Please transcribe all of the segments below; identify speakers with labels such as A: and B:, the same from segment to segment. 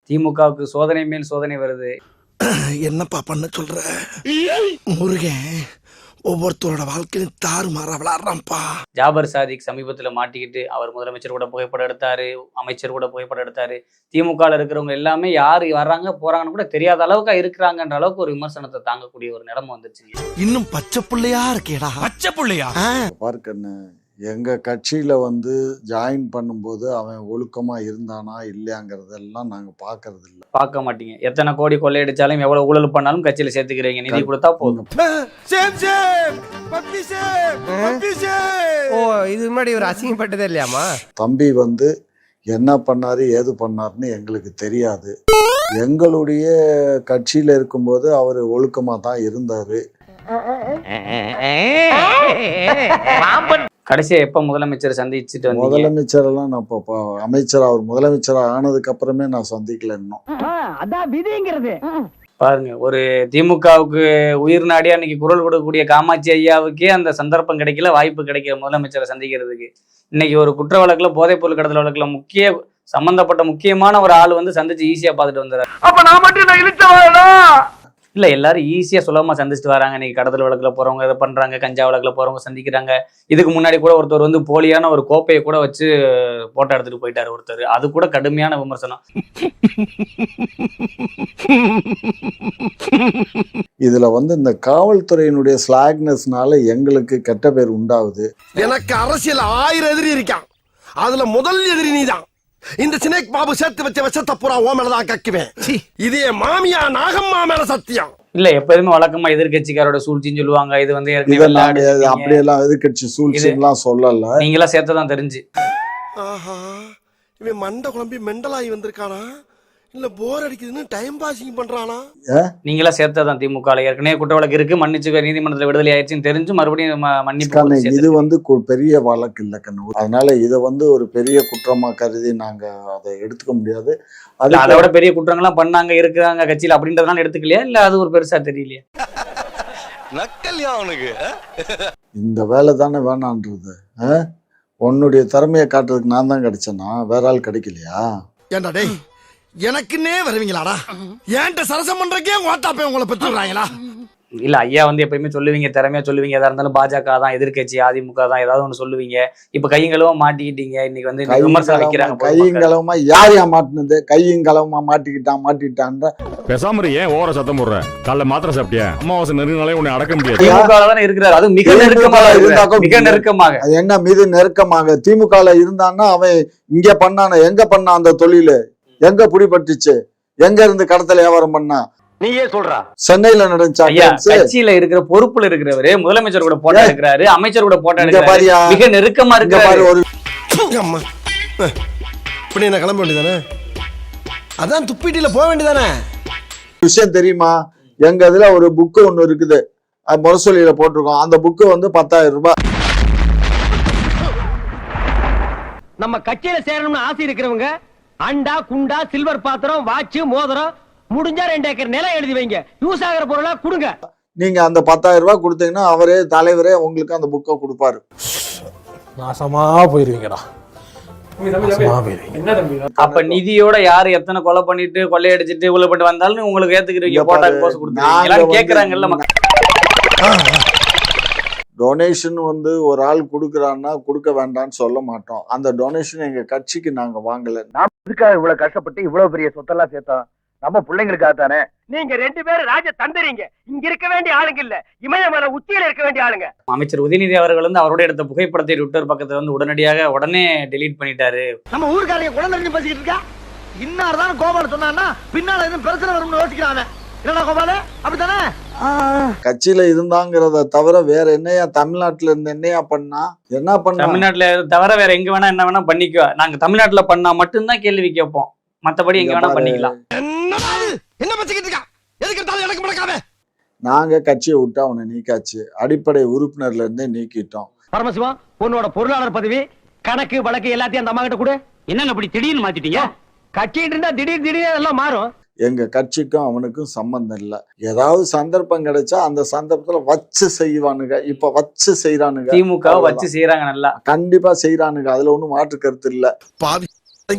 A: திமுகவுக்கு சோதனை மேல் சோதனை வருது.
B: என்னப்பா பண்ண சொல்ற? முருகன் ஒவ்வொருத்தரோட வாழ்க்கையும் தாறுமாறா விளையாடுறான்ப்பா.
A: ஜாபர் சாதிக் சமீபத்துல மாட்டிக்கிட்டு அவர் முதலமைச்சர் கூட புகைப்படம் எடுத்தாரு, அமைச்சர் கூட புகைப்படம் எடுத்தாரு. திமுகல இருக்கிறவங்க எல்லாமே யாரு வர்றாங்க போறாங்கன்னு கூட தெரியாத அளவுக்கு இருக்கிறாங்கன்ற அளவுக்கு ஒரு விமர்சனத்தை தாங்கக்கூடிய ஒரு நிலைமை வந்துருச்சு.
B: இன்னும் பச்சை புள்ளையா இருக்கேடா.
C: பச்சை புள்ளையா?
D: பார்க்கண்ணு, எங்க கட்சியில ஜாயின் பண்ணும்போது அவன் ஒழுக்கமா இருந்தானா இல்லையாங்கிறதெல்லாம் நாங்க பாக்குறது இல்ல.
A: பார்க்க மாட்டீங்க. எத்தனை கோடி கொள்ளையடிச்சாலும் எவ்வளவு ஊழல் பண்ணாலும் கட்சியில சேர்த்துக்கிறீங்க. நிதி கொடுத்தா போதும்.
C: ஓ, இது முன்னாடி ஒரு அசிங்கப்பட்டதே இல்லையாமா?
D: தம்பி என்ன பண்ணாரு ஏது பண்ணாருன்னு எங்களுக்கு தெரியாது. எங்களுடைய கட்சியில இருக்கும்போது அவர் ஒழுக்கமா தான் இருந்தாரு.
A: கடைசியா எப்ப முதலமைச்சர் சந்திச்சுட்டு வந்தீங்க?
D: முதலமைச்சர் எல்லாம் நான் அமைச்சர் அவர் முதலமைச்சர் ஆனதுக்கு அப்புறமே நான் சந்திக்கல இன்னும்.
E: அதான் விதிங்கிறது.
A: பாருங்க, ஒரு திமுகவுக்கு உயிர் நாடியா இன்னைக்கு குரல் கொடுக்கக்கூடிய காமாட்சி ஐயாவுக்கே அந்த சந்தர்ப்பம் கிடைக்கல, வாய்ப்பு கிடைக்கல முதலமைச்சரை சந்திக்கிறதுக்கு. இன்னைக்கு ஒரு குற்ற வழக்குல போதைப் பொருள் கடத்தல் வழக்குல சம்பந்தப்பட்ட முக்கியமான ஒரு ஆள் சந்திச்சு ஈஸியா பாத்துட்டு வந்துறாரு.
E: அப்ப நான் மட்டும் இழுச்சவாடா
A: இல்ல, எல்லாரும் ஈஸியா சுலபமா சந்திச்சுட்டு வராங்க. இன்னைக்கு கடத்தல் வழக்குல போறவங்க இதை பண்றாங்க, கஞ்சா வழக்குல போறவங்க சந்திக்கிறாங்க. இதுக்கு முன்னாடி கூட ஒருத்தர் போலியான ஒரு கோப்பையை கூட வச்சு போட்டோ எடுத்துட்டு போயிட்டாரு ஒருத்தர். அது கூட கடுமையான விமர்சனம்.
D: இதுல இந்த காவல்துறையினுடைய ஸ்லாக்னஸ்னால எங்களுக்கு கெட்ட பேர் உண்டாகுது.
B: எனக்கு அரசியல் 1000 எதிரி இருக்கான். அதுல முதல் எதிரி நீதான். இந்த சினேக் பாபு சேர்த்து வச்ச விஷத்தை பூரா ஓ மேலதான் கக்குவேன். இதே மாமியா நாகம்மா மேல சத்தியம்.
A: இல்ல, எப்போதுமே வழக்கமா எதிர்கட்சிக்காரோட சூழ்ச்சின்னு சொல்லுவாங்க. இது
D: அப்படியெல்லாம் எதிர்கட்சி சூழ்ச்சி எல்லாம் சொல்லல.
A: நீங்களா சேர்த்ததான் தெரிஞ்சு.
B: ஆஹா, இவன் மண்டை குழம்பி மெண்டலாகி வந்திருக்கானா இல்ல போர் அடிக்குதுன்னு டைம் பாசிங் பண்றானா?
A: நீங்களா சேர்த்ததான் திமுக ஏற்கனவே குற்ற வழக்கு இருக்கு, மன்னிச்சு நீதிமன்றத்துல விடுதலை ஆயிடுச்சுன்னு தெரிஞ்சு மறுபடியும் மன்னிப்பு.
D: இது பெரிய வழக்கு இல்ல கண்ணு. அதனால இதை ஒரு பெரிய குற்றமா கருதி நாங்க அதை எடுத்துக்க முடியாது.
A: அதை விட பெரிய குற்றங்கள்லாம் பண்ணாங்க இருக்கிறாங்க கட்சியில அப்படின்றதுனால எடுத்துக்கலையா? இல்ல அது ஒரு பெருசா தெரியலையா?
C: நக்கல்யா அவனுக்கு.
D: இந்த வேலை தானே வேணான்றது. உன்னுடைய திறமையை காட்டுறதுக்கு நான் தான் கிடைச்சேன்னா வேற ஆள் கிடைக்கலையா?
B: ஏண்டா டேய், எனக்குன்னே வருவீங்களாடா? ஏன்ட்ட சரசம் பண்றக்கே ஓட்டாப்பே உங்களை பெற்றுறாங்களா?
A: இல்ல, ஐயா எப்பயுமே சொல்லுவீங்க, திறமையா சொல்லுவீங்க. எதா இருந்தாலும் பாஜக தான் எதிர்கட்சி, அதிமுக தான் ஏதாவது ஒண்ணு சொல்லுவீங்க. இப்ப கையங்களவா மாட்டிக்கிட்டீங்க. இன்னைக்கு விமர்சனம் வைக்கிறாங்க.
D: கையங்களவமா யாரையா மாட்டினது? கையங்களவமா மாட்டிக்கிட்டான்ற
F: பேசாம ஏன் ஓர சத்தம் போடுற? காலைல மாத்திரை சாப்பிட்டியா? அமாவாசை நெருங்கினாலே உன்னை அடக்க முடியாது.
A: திமுக தானே இருக்கிறாரு. அது மிக நெருக்கமாக மிக நெருக்கமாக.
D: என்ன மீது நெருக்கமாக திமுக இருந்தான்னா அவன் இங்க பண்ணான எங்க பண்ணா? அந்த தொழிலு எங்க பிடிபட்டுச்சு? எங்க இருந்து கடத்தல வியாபாரம் பண்ணா?
E: நீயே சொல்றா.
D: சென்னையில நடந்துச்சா?
A: கட்சியில இருக்கிற பொறுப்புல இருக்கிறவரு முதலமைச்சர் கூட போட்டோ எடுக்கிறாரு, அமைச்சர் கூட போட்டோ எடுக்கிறாரு, மிக நெருக்கமா இருக்காரு.
D: ஒரு
B: இப்படி என்ன கிளம்ப வேண்டியதானே? அதான் துப்பிட்டில போக வேண்டியதானே?
D: விஷயம் தெரியுமா? எங்க இதுல ஒரு புக்கு ஒண்ணு இருக்குது, முரசொலியில போட்டிருக்கோம். அந்த புக்கு 10,000 ரூபாய்.
E: நம்ம கட்சியில சேரணும்னு ஆசை இருக்கிறவங்க அண்டா குண்டா சில்வர் பாத்திரம் வாட்ச் மோதிரம் முடிஞ்சா 2 ஏக்கர் நிலம் எழுதி வைங்க. யூஸ் ஆகிற பொருளா கொடுங்க.
D: நீங்க அந்த 10,000 ரூபாய் கொடுத்தீங்கன்னா அவரே தலைவரே உங்களுக்கு அந்த புக்கை கொடுப்பாரு.
G: நாசமா போயிருவீங்கடா.
A: அப்ப நிதியோட யாரு எத்தனை கொலை பண்ணிட்டு கொள்ளையடிச்சிட்டு இவ்வளவு பண்ணிட்டு வந்தாலும் உங்களுக்கு ஏத்துக்கிறீங்க, போட்டோ போஸ் கொடுத்துருக்கீங்க. கேக்குறாங்கல்ல
D: டொனேஷன் ஒரு ஆள் கொடுக்கறான்னா கொடுக்க வேண்டாம்னு சொல்ல மாட்டோம். அந்த டொனேஷன் எங்க கட்சிக்கு நாங்க வாங்கல.
E: நாம இதுக்காக இவ்வளவு கஷ்டப்பட்டு இவ்வளவு பெரிய சொத்தெல்லாம் சேர்த்தோம். நம்ம பிள்ளைங்களுக்காக தானே. நீங்க 2 பேரும் ராஜ தந்தறீங்க. இங்க இருக்க வேண்டிய ஆளுங்க இல்ல, இமயமலை உச்சியில இருக்க வேண்டிய ஆளுங்க.
A: அமைச்சர் உதயநிதி அவர்கள் அவரோட எடுத்த புகைப்படத்தை ட்விட்டர் பக்கத்துல உடனே டெலீட் பண்ணிட்டாரு.
E: நம்ம ஊர்க்காரங்க குழந்தை பேசிக்கிட்டு இருக்கா. இன்னார்தான் கோபால சொன்னான்னா பின்னால எதுவும் பிரச்சனை வரும்னு யோசிக்கிறாங்க. என்னடா கோபால, அப்படித்தானே?
D: கட்சியில இருந்தாங்கிறத தவிர வேற என்னையா தமிழ்நாட்டுல இருந்து என்னையா பண்ணா? என்ன பண்ண?
A: தமிழ்நாட்டுல தவிர வேற எங்க வேணா என்ன வேணா பண்ணிக்கோ. நாங்க தமிழ்நாட்டுல பண்ணா மட்டும்தான் கேள்வி கேட்போம். மத்தபடி எங்க வேணா பண்ணிக்கலாம்.
B: என்ன பச்சிக்கிட்டு இருக்கா? எதுக்கு தலை எனக்கு முடக்காம?
D: நாங்க கட்சியை விட்டு அவனை நீக்காச்சு. அடிப்படை உறுப்பினர்ல இருந்தே நீக்கிட்டோம்.
E: பரமசிவம், உன்னோட பொருளாளர் பதவி கணக்கு வழக்கு எல்லாத்தையும் அந்த அம்மா கிட்ட கொடு. என்னங்க அப்படி திடீர்னு மாத்திட்டீங்க? கட்சிட்டு இருந்தா திடீர்னு எல்லாம் மாறும்.
D: எங்க கட்சிக்கும் அவனுக்கும் சம்பந்தம் இல்ல. ஏதாவது சந்தர்ப்பம் கிடைச்சா அந்த சந்தர்ப்பத்துல வச்சு செய்வானுங்க. இப்ப வச்சு செய்யறானுங்க.
A: திமுக வச்சு செய்யறாங்க, நல்லா
D: கண்டிப்பா செய்யறானுங்க. அதுல ஒண்ணும் மாற்று கருத்து இல்ல.
B: பாவி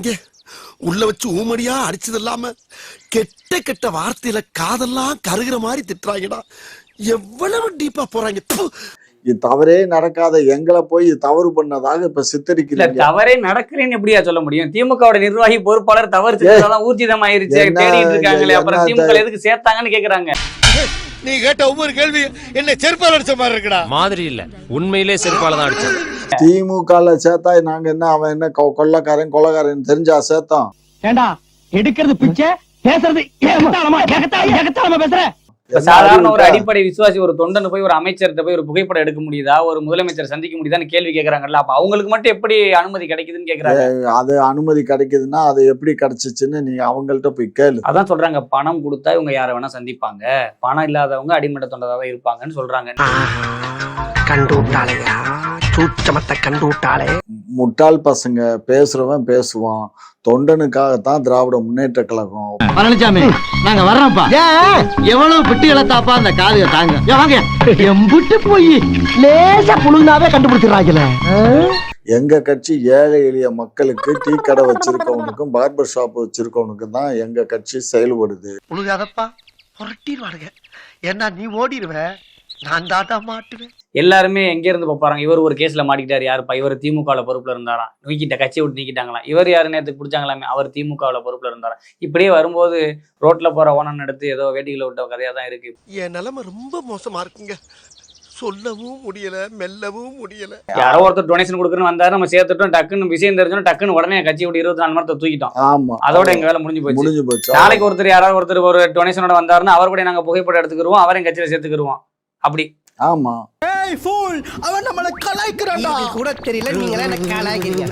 B: உள்ள வச்சு ஊமடியா அடிச்சது இல்லாம கெட்ட கெட்ட வார்த்தையில காதெல்லாம் கருகிற மாதிரி திட்டுறாங்கடா. எவ்வளவு டீப்பா போறாங்க. ப்பு.
D: இது தவறே நடக்காத எங்களை போய் இது தவறு பண்ணதாக இப்ப
A: இல்ல
D: சித்தரிக்கிறீங்க.
A: தவறே நடக்கலன்னு எப்படியா சொல்ல முடியும்? திமுகவோட நிர்வாகி பொறுப்பாளர் தவறு செஞ்சதெல்லாம் ஊர்ஜிதமாயிருச்சு,
D: என்ன
A: தேடிட்டு இருக்காங்களே, அப்புறம்
D: என்ன
A: திமுக எதுக்கு சேர்த்தாங்கன்னு கேக்குறாங்க.
B: நீ கேட்ட ஒவ்வொரு கேள்வி என்ன செருப்பால் அடிச்ச மாதிரி இருக்குடா.
C: மாதிரி இல்ல, உண்மையிலே செருப்பால தான் அடிச்சது.
D: திமுகல சேர்த்தா நாங்க என்ன, அவன் என்ன கொள்ளக்காரன் தெரிஞ்சா சேர்த்தோம்?
E: ஏண்டா எடுக்கிறது பிச்சை, பேசுறது ஏகத்தாளமா பேசுற.
A: சாதாரண ஒரு அடிப்படை விசுவாசி ஒரு தொண்டன் போய் ஒரு அமைச்சர்கிட்ட போய் ஒரு புகைப்படம் எடுக்க முடியுதா, ஒரு முதலமைச்சர் சந்திக்க முடியுதான்னு கேள்வி கேட்கறாங்கல்ல. அப்ப அவங்களுக்கு மட்டும் எப்படி அனுமதி கிடைக்குதுன்னு கேக்குறாங்க.
D: அது அனுமதி கிடைக்குதுன்னா அது எப்படி கிடைச்சிச்சுன்னு நீங்க அவங்கள்ட்ட போய் கேளு.
A: அதான் சொல்றாங்க, பணம் கொடுத்தா இவங்க யாரை வேணா சந்திப்பாங்க, பணம் இல்லாதவங்க அடிமட்ட தொண்டராக இருப்பாங்கன்னு சொல்றாங்க.
B: கண்டு விட்டாளையா, சூச்சமத்தை கண்டு விட்டாளே.
D: முட்டாள் பசங்க பேசுறவன் பேசுவான். தொண்டனுக்காகத்தான் திராவிட முன்னேற்ற கழகம்.
E: பழனிசாமி நாங்க வர்றோம்ப்பா. எவ்வளவு பிட்டு இழத்தாப்பா அந்த காதுக தாங்க. வாங்க எம்புட்டு போய் லேசா புழுந்தாவே கண்டுபிடிச்சிடறாங்கல.
D: எங்க கட்சி ஏழை எளிய மக்களுக்கு டீ கடை வச்சிருக்கவனுக்கும் பார்பர் ஷாப் வச்சிருக்கவனுக்கும் தான் எங்க கட்சி செயல்படுது.
B: புழுகாதப்பா, புரட்டிடுவானுங்க. ஏன்னா நீ ஓடிடுவ, நான் தாட்டா மாட்டுவேன்.
A: எல்லாருமே எங்க இருந்து போறாங்க, இவர் ஒரு கேஸ்ல மாட்டிக்கிட்டாரு, யாருப்பா இவர் திமுகல பொறுப்புல இருந்தாராம், நீக்கிட்ட கட்சியை விட்டு நீக்கிட்டாங்களாம். இவர் யாரு நேரத்துக்கு பிடிச்சாங்களாமே, அவர் திமுகல பொறுப்புல இருந்தாராம். இப்படியே வரும்போது ரோட்ல போற ஓனம் எடுத்து ஏதோ வேட்டிகளை விட்ட கதையா தான் இருக்கு.
B: என் நிலைமை ரொம்ப மோசமா இருக்குங்க. சொல்லவும் முடியல, மெல்லவும் முடியல.
A: யாரோ ஒருத்தர் டொனேஷன் கொடுக்குறன்னு வந்தாரு, நம்ம சேர்த்துட்டோம், டக்குன்னு விஷயம் தெரிஞ்சோம், டக்குன்னு உடனே கட்சி விட்டு 24 மணி நேரத்தை தூக்கிட்டோம்.
D: ஆமா,
A: அதோட எங்க வேலை முடிஞ்சு போச்சு. நாளைக்கு ஒருத்தர் யாராவது ஒருத்தர் ஒரு டொனேஷனோட வந்தாருன்னா அவர் கூட நாங்க புகைப்படம் எடுத்துக்கிருவோம், அவரையும் கட்சியில சேர்த்துக்கிருவோம். அப்படி
D: ஆமா.
B: அவன் நம்மள கலாய்க்கிறான்டா. கூட தெரியல, நீங்க என்ன கலாய்க்கிறீங்க?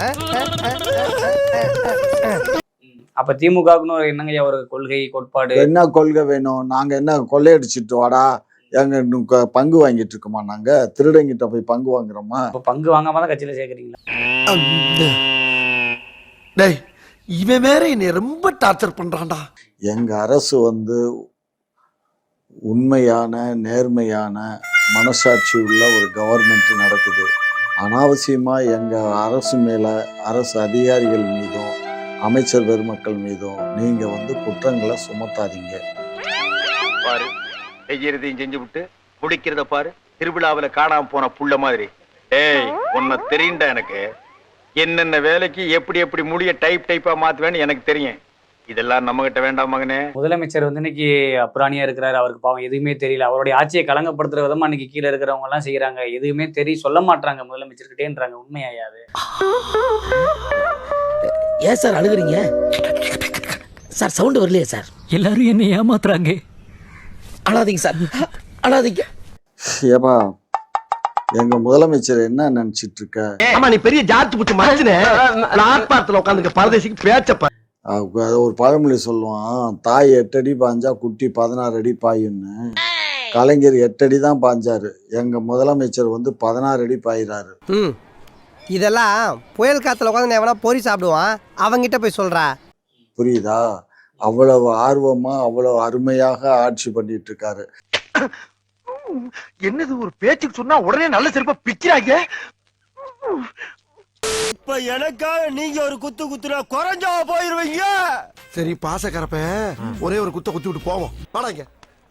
A: அப்ப திமுகவுக்குன்னு ஒரு என்னங்க ஒரு கொள்கை கோட்பாடு?
D: என்ன கொள்கை வேணும்? நாங்க என்ன கொள்ளையடிச்சிட்டு வாடா எங்க பங்கு வாங்கிட்டு இருக்கோமா? நாங்க திருடங்கிட்ட போய் பங்கு வாங்குறோமா?
A: பங்கு வாங்காம தான் கட்சியில சேர்க்கறீங்களா?
B: டேய், இவன் வேற என்னை ரொம்ப டார்ச்சர் பண்றான்டா.
D: எங்க அரசு உண்மையான நேர்மையான மனசாட்சி உள்ள ஒரு கவர்மெண்ட் நடக்குது. அனாவசியமா எங்க அரசு மேல, அரசு அதிகாரிகள் மீதும் அமைச்சர் பெருமக்கள் மீதும் நீங்க குற்றங்களை சுமத்தாதீங்க.
H: பாரு, செய்யறதையும் செஞ்சு விட்டு முடிக்கிறத பாரு. திருவிழாவில காணாம போன புள்ள மாதிரி. ஏய், உன்னை தெரியுண்டா எனக்கு. என்னென்ன வேலைக்கு எப்படி எப்படி முடிய டைப்பா மாத்துவேன்னு எனக்கு தெரியும். இதெல்லாம் நம்ம கிட்ட வேண்டாம் மகனே.
A: முதலமைச்சர் இன்னைக்கு அப்புறாணியா இருக்கிறாரு, அவருக்கு பாவம் எதுவுமே தெரியல. அவருடைய ஆட்சியை கலங்கப்படுத்துற விதமா இன்னைக்கு கீழே இருக்கிறவங்க எல்லாம் செய்யறாங்க. எதுவுமே சொல்ல மாட்டாங்க முதலமைச்சர்கிட்டேன்றாங்க. உண்மையாயாது?
I: ஏன் சார் அழுகுறீங்க சார்? சவுண்ட் வரலையே சார்?
E: எல்லாரும் என்ன ஏமாத்துறாங்க.
I: அழாதீங்க சார், அழாதீங்க.
D: ஏப்பா, எங்க முதலமைச்சர் என்ன நினைச்சிட்டு இருக்க?
B: ஆமா, நீ பெரிய ஜார்ஜ் புட்டு மறைச்சுனே பிளாட்பாரத்துல உட்காந்துருக்க பரதேசிக்கு பேச்சப்ப.
D: ஒரு பழமொழி சொல்லுவான், தாய் 8 அடி பாஞ்சா குட்டி 16 அடி பாயுன்னு. கலைஞர் 8 அடி தான் பாஞ்சாரு, எங்க முதலமைச்சர் 16 அடி பாயிறாரு.
C: இதெல்லாம் புயல் காத்துல உட்காந்து எவனா பொறி சாப்பிடுவான், அவங்கிட்ட போய் சொல்றா.
D: புரியுதா? அவ்வளவு ஆர்வமா அவ்வளவு அருமையாக ஆட்சி பண்ணிட்டு இருக்காரு.
B: என்னது ஒரு பேச்சுக்கு சொன்னா உடனே நல்ல செருப்பா பிக்கிறாங்க. இப்ப எனக்காக நீங்க ஒரு குத்து குத்துனா குறைஞ்சா போயிருவீங்க. சரி பாசக்கரப்ப ஒரே ஒரு குத்த குத்தி விட்டு போவோம். வாடாங்க.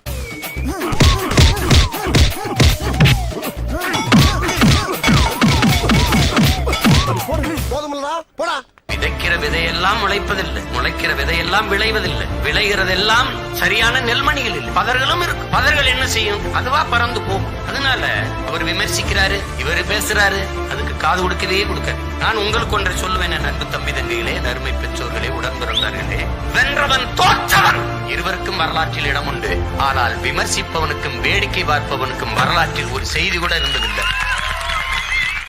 B: போதுமில்லடா, போடா.
I: விதைக்கிற விதையெல்லாம் முளைப்பதில்லை, முளைக்கிற விதையெல்லாம் விளைவதில்லை, விளைகிறதெல்லாம் சரியான நெல்மணிகள் இல்லை. பதர்களும் இருக்கு. பதர்கள் என்ன செய்யும்? அதுவா பறந்து போகும். அதனால அவர் விமர்சிக்கிறாரு, இவர் பேசுறாரு, அதுக்கு காது கொடுக்கவே கொடுக்க. நான் உங்களுக்கு ஒன்றை சொல்லுவேன், அன்பு தம்பி தங்கைகளே, அருமை பெற்றோர்களே, உடன்பிறந்தார்களே, வென்றவன் தோற்றவன் இருவருக்கும் வரலாற்றில் இடம் உண்டு. ஆனால் விமர்சிப்பவனுக்கும் வேடிக்கை பார்ப்பவனுக்கும் வரலாற்றில் ஒரு செய்தி கூட இருந்ததில்லை.